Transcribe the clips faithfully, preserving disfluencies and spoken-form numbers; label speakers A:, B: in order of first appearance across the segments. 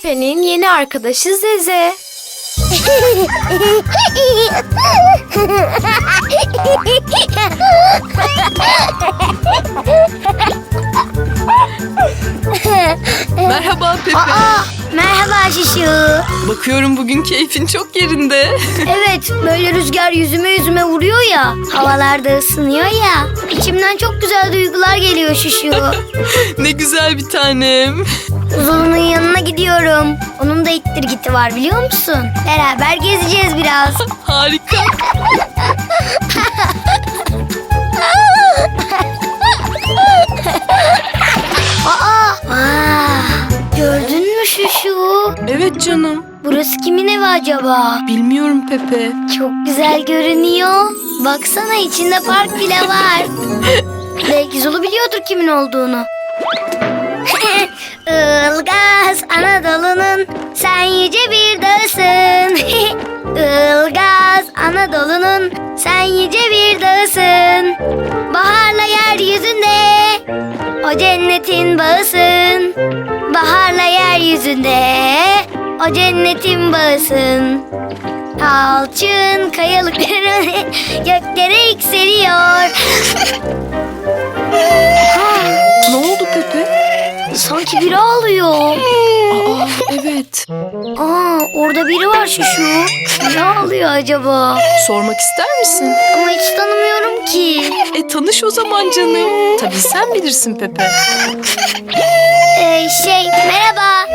A: Pepe'nin yeni arkadaşı Zeze.
B: Merhaba Pepe.
C: Aa, merhaba Şişu.
B: Bakıyorum bugün keyfin çok yerinde.
C: Evet, böyle rüzgar yüzüme yüzüme vuruyor ya, havalarda ısınıyor ya. İçimden çok güzel duygular geliyor Şişu.
B: Ne güzel bir tanem.
C: Zulu'nun yanına gidiyorum. Onun da ittirgiti var biliyor musun? Beraber gezeceğiz biraz.
B: Harika.
C: Aa, aa, gördün mü Şuşu?
B: Evet canım.
C: Burası kimin evi acaba?
B: Bilmiyorum Pepe.
C: Çok güzel görünüyor. Baksana içinde park bile var. Belki Zulu biliyordur kimin olduğunu. Ilgaz Anadolu'nun sen yüce bir dağısın. Ilgaz Anadolu'nun sen yüce bir dağısın. Baharla yeryüzünde o cennetin bağısın. Baharla yeryüzünde o cennetin bağısın. Alçın kayalıkları göklere yükseliyor.
B: Ne oldu Pepe?
C: Sanki biri ağlıyor.
B: Aa, evet.
C: Aa, orada biri var Şuşu. Ne ağlıyor acaba?
B: Sormak ister misin?
C: Ama hiç tanımıyorum ki.
B: E tanış o zaman canım. Tabii sen bilirsin Pepe.
C: Ee, şey, merhaba.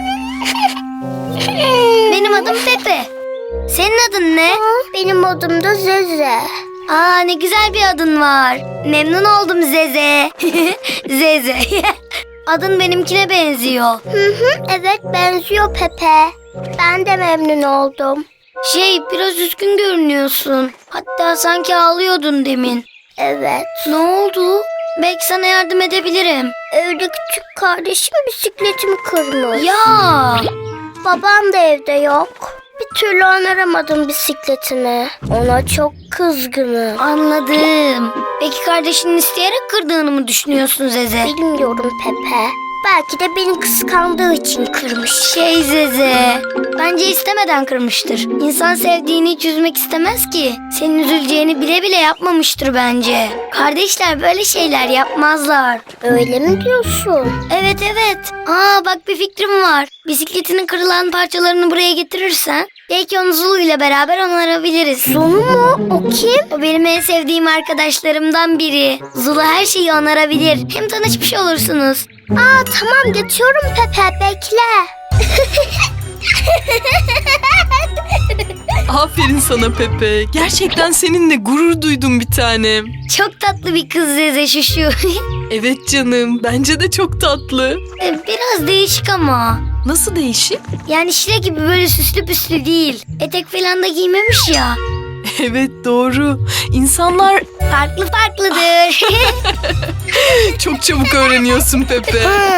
C: Benim adım Pepe. Senin adın ne? Benim adım da Zeze. Aa, ne güzel bir adın var. Memnun oldum Zeze. Zeze. Adın benimkine benziyor. Hı hı, evet benziyor Pepe. Ben de memnun oldum. Şey, biraz üzgün görünüyorsun. Hatta sanki ağlıyordun demin. Evet. Ne oldu? Belki sana yardım edebilirim. Evde küçük kardeşim bisikletimi kırmış. Ya! Babam da evde yok. Bir türlü onaramadım bisikletini. Ona çok kızgınım. Anladım. Peki kardeşinin isteyerek kırdığını mı düşünüyorsun Zeze? Bilmiyorum Pepe. Belki de beni kıskandığı için kırmış. Şey Zeze, bence istemeden kırmıştır. İnsan sevdiğini hiç üzmek istemez ki. Senin üzüleceğini bile bile yapmamıştır bence. Kardeşler böyle şeyler yapmazlar. Öyle mi diyorsun? Evet evet. Aa bak bir fikrim var. Bisikletinin kırılan parçalarını buraya getirirsen belki onu Zulu ile beraber onarabiliriz. Zulu mu? O kim? O benim en sevdiğim arkadaşlarımdan biri. Zulu her şeyi onarabilir. Hem tanışmış olursunuz. Aa tamam geçiyorum Pepe bekle.
B: Aferin sana Pepe. Gerçekten seninle gurur duydum bir tanem.
C: Çok tatlı bir kız Zeze Şuşu.
B: Evet canım. Bence de çok tatlı.
C: Biraz değişik ama.
B: Nasıl değişik?
C: Yani Şile gibi böyle süslü püslü değil. Etek falan da giymemiş ya.
B: Evet doğru. İnsanlar
C: Farklı farklıdır.
B: çok çabuk öğreniyorsun Pepe.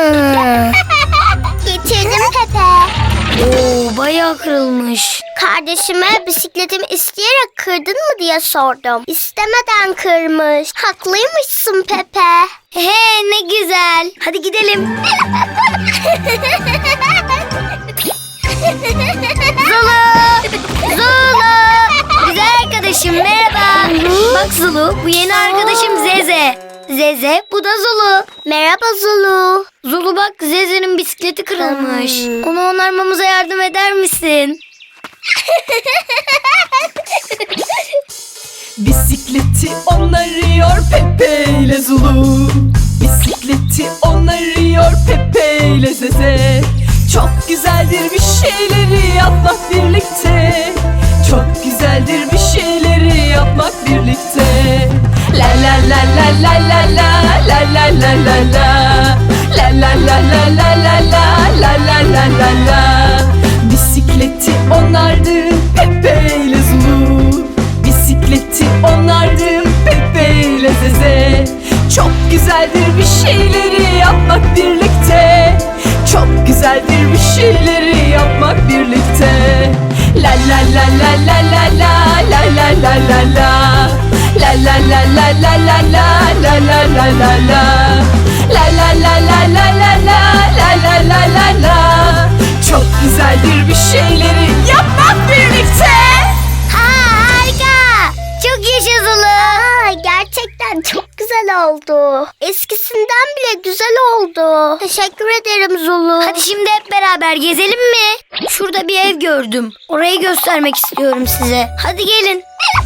C: Getirdim Pepe. Oo, bayağı kırılmış. Kardeşime bisikletimi isteyerek kırdın mı diye sordum. İstemeden kırmış. Haklıymışsın Pepe. He ne güzel. Hadi gidelim. Zulu! Zulu! Güzel arkadaşım merhaba. Bak Zulu, bu yeni arkadaşım Zeze. Zeze, bu da Zulu. Merhaba Zulu. Zulu bak, Zeze'nin bisikleti kırılmış. Hmm. Onu onarmamıza yardım eder misin?
B: Bisikleti onarıyor Pepe ile Zulu. Bisikleti onarıyor Pepe ile Zeze. Çok güzeldir bir şeyleri yapmak birlikte. Çok güzeldir bir şeyleri yapmak birlikte. La la la la la la la la la la la la. La la la la la la la la la la la la. Bisikleti onardım Pepe ile Zulu. Bisikleti onardım Pepe ile Zeze. Çok güzeldir bir şeyleri yapmak birlikte. Çok güzeldir bir şeyleri yapmak birlikte. La la la la la la la la la la la la. La la la la la la la la la la la la. La la la la la la la la la la la la. Çok güzeldir bir şeyleri yapmak birlikte.
C: Ha, harika. Çok yaşa Zulu. Aa, gerçekten çok güzel oldu. Eskisinden bile güzel oldu. Teşekkür ederim Zulu. Hadi şimdi hep beraber gezelim mi? Şurada bir ev gördüm. Orayı göstermek istiyorum size. Hadi gelin.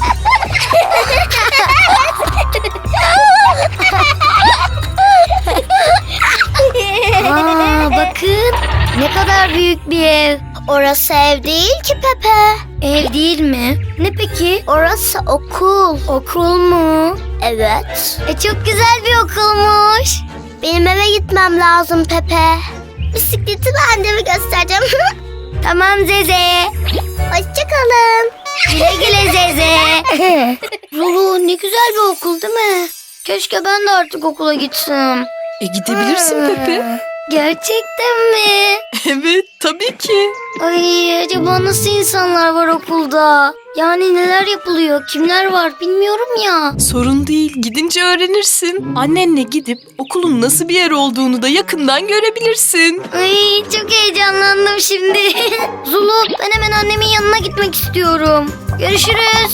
C: Aa, bakın ne kadar büyük bir ev. Orası ev değil ki Pepe. Ev değil mi? Ne peki? Orası okul. Okul mu? Evet. E çok güzel bir okulmuş. Benim eve gitmem lazım Pepe. Bisikleti ben de mi göstereceğim? Tamam Zeze. Hoşçakalın. Güle güle Zeze. Zulu ne güzel bir okul değil mi? Keşke ben de artık okula gitsem.
B: E gidebilirsin Pepe.
C: Gerçekten mi?
B: Evet tabii ki.
C: Ay acaba nasıl insanlar var okulda? Yani neler yapılıyor, kimler var bilmiyorum ya.
B: Sorun değil, gidince öğrenirsin. Annenle gidip okulun nasıl bir yer olduğunu da yakından görebilirsin.
C: Ay çok heyecanlandım şimdi. Zulu ben hemen annemin yanına gitmek istiyorum. Görüşürüz.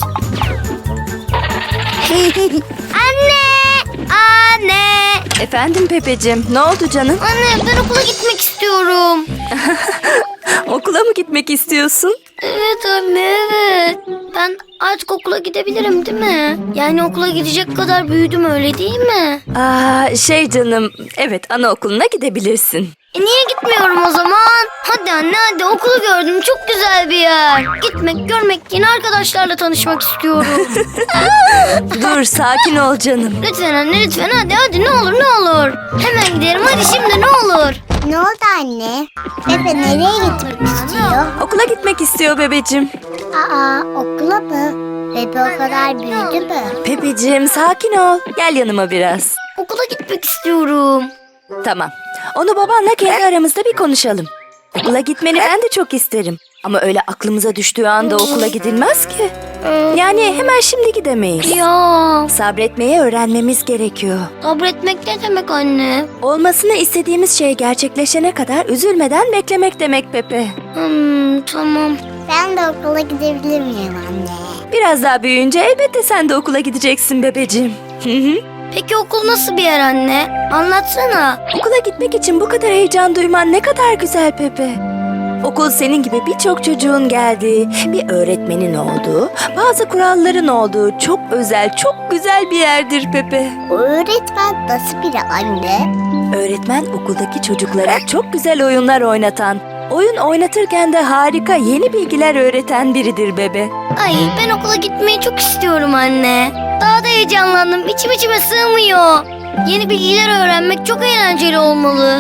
C: Anne! Anne!
D: Efendim Pepeciğim, ne oldu canım?
C: Anne ben okula gitmek istiyorum.
D: Okula mı gitmek istiyorsun?
C: Evet anne evet. Ben artık okula gidebilirim değil mi? Yani okula gidecek kadar büyüdüm öyle değil mi?
D: Aa, şey canım, evet anaokuluna gidebilirsin.
C: E niye gitmiyorum o zaman? Hadi anne hadi okulu gördüm çok güzel bir yer. Gitmek görmek yeni arkadaşlarla tanışmak istiyorum.
D: Dur, sakin ol canım.
C: Lütfen anne lütfen hadi hadi ne olur ne olur. Hemen gidelim hadi şimdi ne olur.
E: Ne oldu anne? Pepe nereye gitmek istiyor?
D: Okula gitmek istiyor bebeciğim.
E: Aa, okula mı? Pepe o kadar büyüdü mü?
D: Pepeciğim, sakin ol. Gel yanıma biraz.
C: Okula gitmek istiyorum.
D: Tamam. Onu babanla kendi aramızda bir konuşalım. Okula gitmeni ben de çok isterim. Ama öyle aklımıza düştüğü anda okula gidilmez ki. Yani hemen şimdi gidemeyiz.
C: Ya
D: Sabretmeyi öğrenmemiz gerekiyor.
C: sabretmek ne demek anne?
D: Olmasını istediğimiz şey gerçekleşene kadar üzülmeden beklemek demek Pepe.
C: Hmm, tamam.
E: Ben de okula gidebilir miyim anne?
D: Biraz daha büyüyünce elbette sen de okula gideceksin bebeciğim. Hı hı.
C: Peki okul nasıl bir yer anne? Anlatsana.
D: Okula gitmek için bu kadar heyecan duyman ne kadar güzel Pepe. Okul senin gibi birçok çocuğun geldiği, bir öğretmenin olduğu, bazı kuralların olduğu çok özel, çok güzel bir yerdir Pepe.
E: O öğretmen nasıl biri anne?
D: Öğretmen okuldaki çocuklara çok güzel oyunlar oynatan, oyun oynatırken de harika yeni bilgiler öğreten biridir bebe.
C: Ay ben okula gitmeyi çok istiyorum anne. Daha da heyecanlandım. İçim içime sığmıyor. Yeni bilgiler öğrenmek çok eğlenceli olmalı.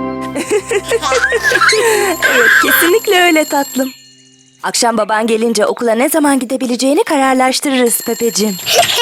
D: Evet, kesinlikle öyle tatlım. Akşam baban gelince okula ne zaman gidebileceğini kararlaştırırız Pepeciğim.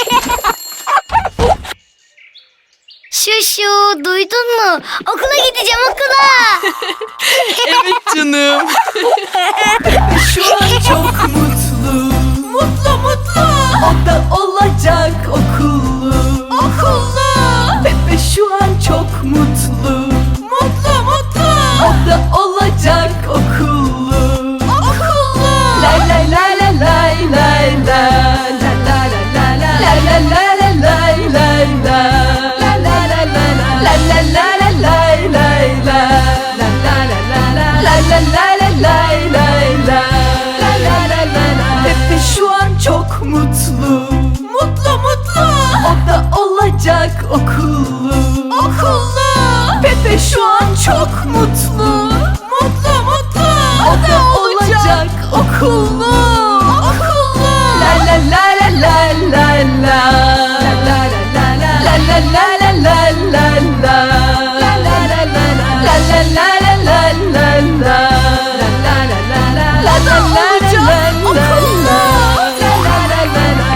C: Şuşu duydun mu? Okula gideceğim okula.
B: Evet canım. Şu an çok mutlu. Mutlu mutlu. O da olacak okullu. Okullu. Pepe şu an çok mutlu. Mutlu mutlu. O da olacak okullu. Okullu. Lay lay lay lay lay lay lay. La la la la la. La la la la lay lay lay. La la la la la. La la la la lay lay lay. La la la la la. La la la la lay lay lay. La la la la la. Pepe şu an çok mutlu. Mutlu mutlu. O da olacak okullu. Okullu. Pepe şu an çok mutlu. Mutlu mutlu. O da olacak okullu. Okullu. La la la la la la la. La la la la la. La la la la la la la. La la la la la. La la la la la la la. La la la la la. La la la la la la. La la la la la.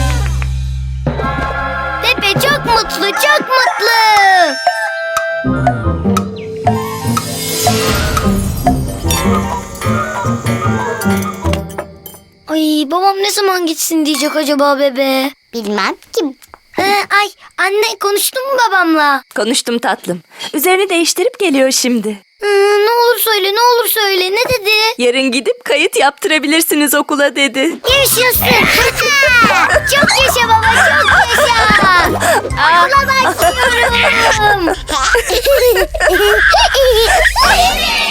C: Pepe çok mutlu çok mutlu. Ay babam ne zaman gitsin diyecek acaba bebe?
E: Bilmem ki.
C: Ee, ay anne konuştun mu babamla?
D: Konuştum tatlım. Üzerini değiştirip geliyor şimdi.
C: Ee, ne olur olur söyle, ne olur söyle. Ne dedi?
D: Yarın gidip kayıt yaptırabilirsiniz okula dedi.
C: Yaşasın. Çok yaşa baba, çok yaşa. Okula başlıyorum.